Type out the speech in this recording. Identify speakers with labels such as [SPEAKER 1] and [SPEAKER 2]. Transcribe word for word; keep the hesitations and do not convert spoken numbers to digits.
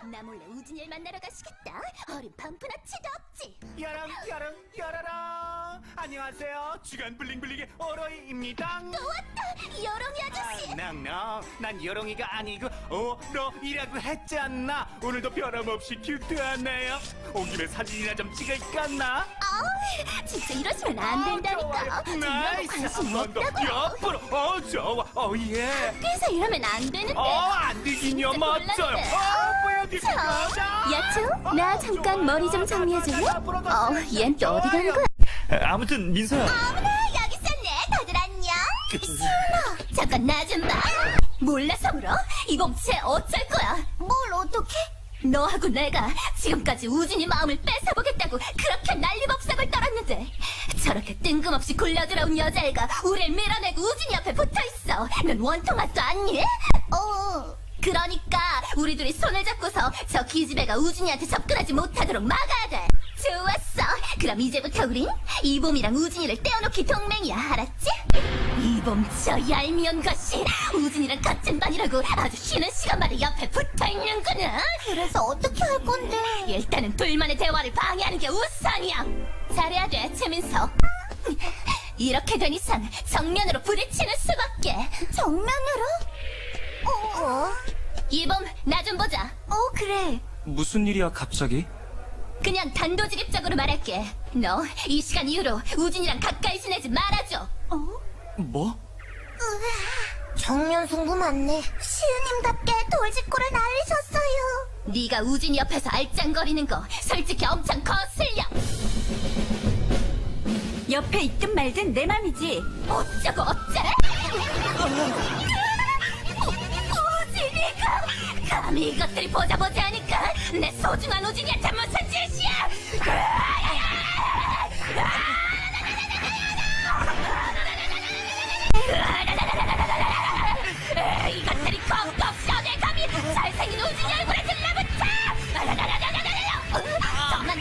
[SPEAKER 1] 나 몰래 우진이를 만나러 가시겠다. 어린 반푼아치도 없지.
[SPEAKER 2] 여랑 여랑 여라라. 안녕하세요. 주간 블링블링의 오로이입니다.
[SPEAKER 1] 또 왔다, 여롱이 아저씨.
[SPEAKER 2] 낭낭, 난 여롱이가 아니고 오로이라고 했잖아. 오늘도 변함없이 큐트하네요. 온 김에 사진이나 좀 찍을까나?
[SPEAKER 1] 아우, 진짜 이러시면 안 된다니까.
[SPEAKER 2] 좋아요. 나이스.
[SPEAKER 1] 관심
[SPEAKER 2] 한 번 더
[SPEAKER 1] 없다고요.
[SPEAKER 2] 옆으로. 어 좋아. 어 예.
[SPEAKER 1] 그래서 이러면 안 되는데.
[SPEAKER 2] 어 안 되긴요.
[SPEAKER 1] 진짜
[SPEAKER 2] 멋져요.
[SPEAKER 1] 곤란해.
[SPEAKER 2] 어 보여드릴까?
[SPEAKER 1] 야채, 나 잠깐 머리 좀 정리해줄래? 어, 얜 또 어디 가는 거야?
[SPEAKER 2] 아무튼 민서야.
[SPEAKER 1] 어머나, 여기 있었네. 다들 안녕. 시원아, 잠깐 나 좀 봐. 몰라서 물어? 이 몸체 어쩔 거야? 뭘 어떻게? 너하고 내가 지금까지 우진이 마음을 뺏어보겠다고 그렇게 난리법석을 떨었는데 저렇게 뜬금없이 굴려들어온 여자애가 우릴 밀어내고 우진이 옆에 붙어있어. 넌 원통 맛도 아니? 어... 그러니까 우리 둘이 손을 잡고서 저 기집애가 우진이한테 접근하지 못하도록 막아야 돼. 좋았어. 그럼 이제부터 우린 이봄이랑 우진이를 떼어놓기 동맹이야. 알았지? 이봄 저 얄미운 것이 우진이랑 같은 반이라고 아주 쉬는 시간마다 옆에 붙어있는구나. 그래서 어떻게 할 건데? 일단은 둘만의 대화를 방해하는 게 우선이야. 잘해야 돼, 최민서. 이렇게 된 이상 정면으로 부딪히는 수밖에. 정면으로? 어? 이봄 나 좀 보자. 어, 그래.
[SPEAKER 3] 무슨 일이야 갑자기?
[SPEAKER 1] 그냥 단도직입적으로 말할게. 너 이 시간 이후로 우진이랑 가까이 지내지 말아줘. 어?
[SPEAKER 3] 뭐?
[SPEAKER 1] 정면 승부 맞네. 시은님답게 돌직구를 날리셨어요. 네가 우진이 옆에서 알짱거리는 거 솔직히 엄청 거슬려.
[SPEAKER 4] 옆에 있든 말든 내 맘이지.
[SPEAKER 1] 어쩌고 어째? 우진이가 감히 이것들이 보자 보자 하니까 내 소중한 우진이한테 무슨 짓이야? 이것들이 겁도 없이 어딜 감히 잘생긴 우진이 얼굴에 들러붙어! 저만